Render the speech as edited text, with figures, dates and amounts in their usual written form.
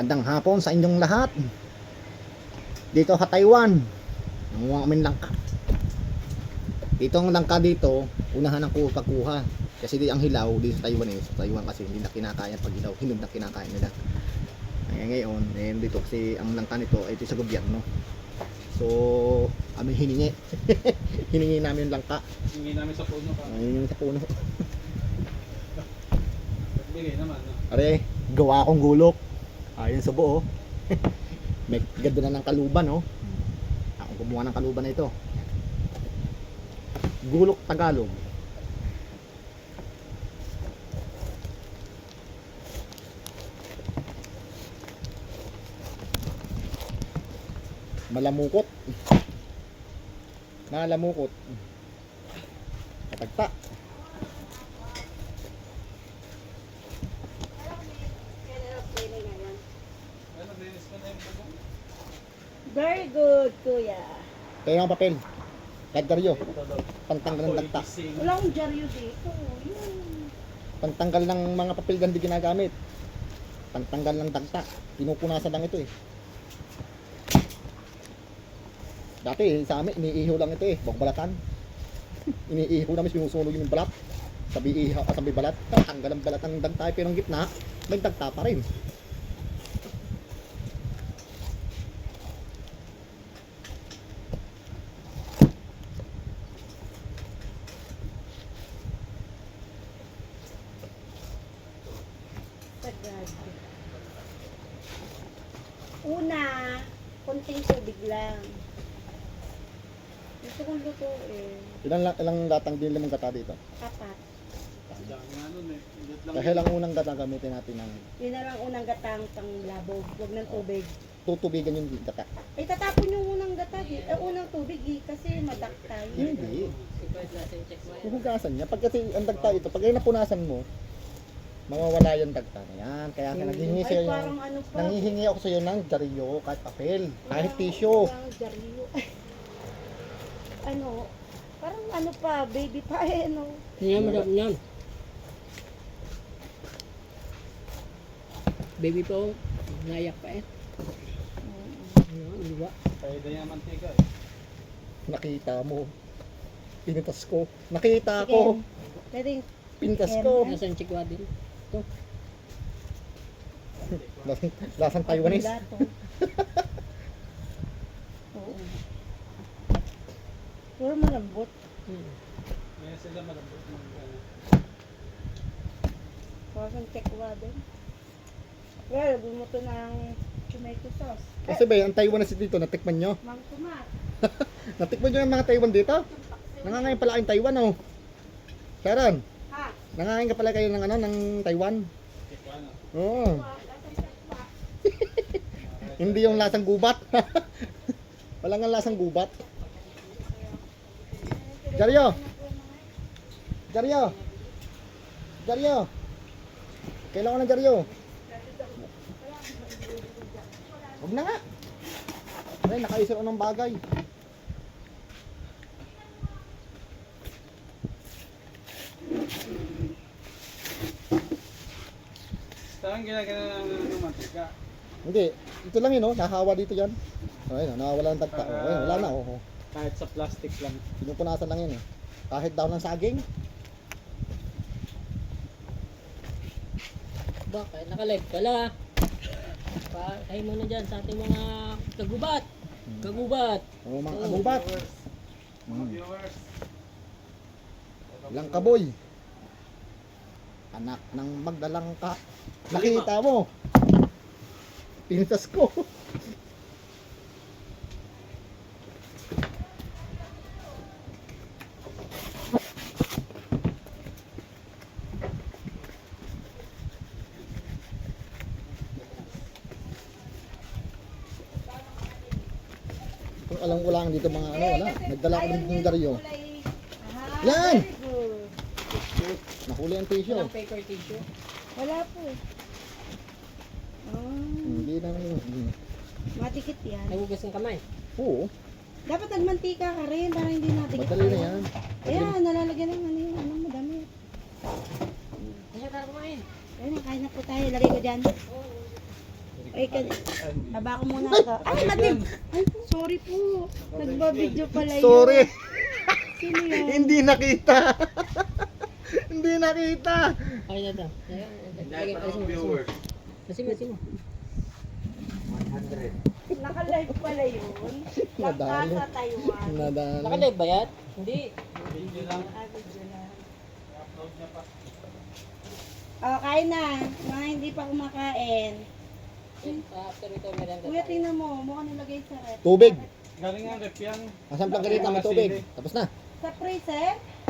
Magandang hapon sa inyong lahat. Dito sa Taiwan, nanguha kami ng langka. Dito ang langka dito, unahan ang pagkuha. Kasi di ang hilaw dito sa Taiwan sa Taiwan kasi hindi na kinakain pag hilaw, hinog na kinakain nila. Ngayon, dito kasi ang langka nito ay ito sa gobyerno. So, kami hiningi. Hiningi namin yung langka. Hiningi namin sa puno ka. Hiningi sa puno. Bigay naman, no? Are, gawa akong gulok. Ayun sa buo. May ganda na ng kaluban, oh. Ako gumawa ng kaluban na ito. Gulok Tagalog. Malamukot. Malamukot. Katagta. Very good, kuya. Kaya ang papel. Kadgaryo. Pantanggal ng dagta. Wala akong dyaryo dito. Yun. Pantanggal ng mga papel gandi ginagamit. Pantanggal ng dagta. Pinupunasan lang ito eh. Dati sa amin, iniihaw lang ito eh. Balatan. Iniihaw namin sinusunog yung balat. Sabi ihaw, sabi balat. Tanggal ang balat ng dagta. Pero ang gitna, may dagta pa rin. Sagad. Una, konting tubig lang. Gusto kong lutuin. Ilang latang din lamang gata dito? Apat. Dami nga nun eh. Indot lang. Dahil ang unang gata gamitin natin ng Yun na lang unang gatang pang labog. Huwag ng tubig. tutubigan yung gata. Ay, tatapon yung unang gata. Unang tubig kasi madaktay. Hindi. Huhugasan niya. Pag kasi ang dagta ito, pag ay napunasan mo, mawawala yung dagta na yan. Kaya naghihingi Ay, sa'yo parang ano pa. nanghihingi ako sa'yo ng dyaryo, kahit papel, kahit tissue. Parang dyaryo. Ano, parang ano pa, baby pa eh, ano. Yan, madam yan. Baby po, nayak pa eh. Ayan, di ba? Kaya yung mantika eh. Nakita mo. Pinitas ko. Nakita Sige. ko. Pwedeng Pintas ko. Nasaan chikwa din? Lasang Taiwanese. Lato. Oo. Puro malambot. Kaya sila malambot ng ano. Parang tekwa din. Well, bumuto ng tomato sauce. Kasi ba, ang Taiwanese dito, natikman nyo? Mang tomat. Natikman nyo yung mga Taiwan dito? Nangangain pala kayong Taiwan, oh. Sharon, Ha? nangangain ka pala kayo ng ano, ng Taiwan? Tikwa na. Oo. Hindi yung lasang gubat. Wala nga lasang gubat. Jaryo! Jaryo! Jaryo! Kailangan ko ng Jaryo. Huwag na nga. Ay, nakaisip ako ng bagay. Saan ginagana ng mantika? Hindi, ito lang yun, oh. Nahawa dito yan. Ayun, nawawala ng tagta. Oh, ayun, wala na, oh. Kahit sa plastic lang. Pinupunasan lang yun, eh. Kahit daw ng saging. Bakit? Nakalive pala. Kayo muna dyan sa ating mga kagubat. Kagubat. Oh, mga kagubat. Mga viewers. Lang kaboy. Anak ng magdalang ka. Nakita mo. Pintas ko. Kung alam ko lang dito mga ano, wala. Nagdala ko ng dyaryo. Yan! Very good. Nahuli ang tissue. Walang paper tissue. Wala po. Hindi na. Madikit yan. Nagugas ng kamay. Oo. Dapat nagmantika ka rin para hindi nadikit. Madali na yan. Ayan, nalalagyan ng ano yung ano madami. Kaya tayo kumain. Ayun, kain na po tayo. Lagay ko dyan. Very Ay, aba ko muna ka. Ay, natin! Ay, sorry po. Nagbabideo pala yun. Sorry. Sino yun? Hindi nakita. Hindi nakita. Okay na ito. Lahat ng viewers. Kasi mo. Naka-live pala yun. Langka Nadali. sa Taiwan. Nadali. Nakalive ba yan? Hindi. Video lang. Ah, video lang. I-upload niya pa. Oh, kain na. Mga hindi pa kumakain. After ito, meron Kuya, tingnan mo. Mukha nilagay sa rep. Tubig. Galing ang rep yan. Masang plangkarita, may tubig. Tapos na. Sa freezer?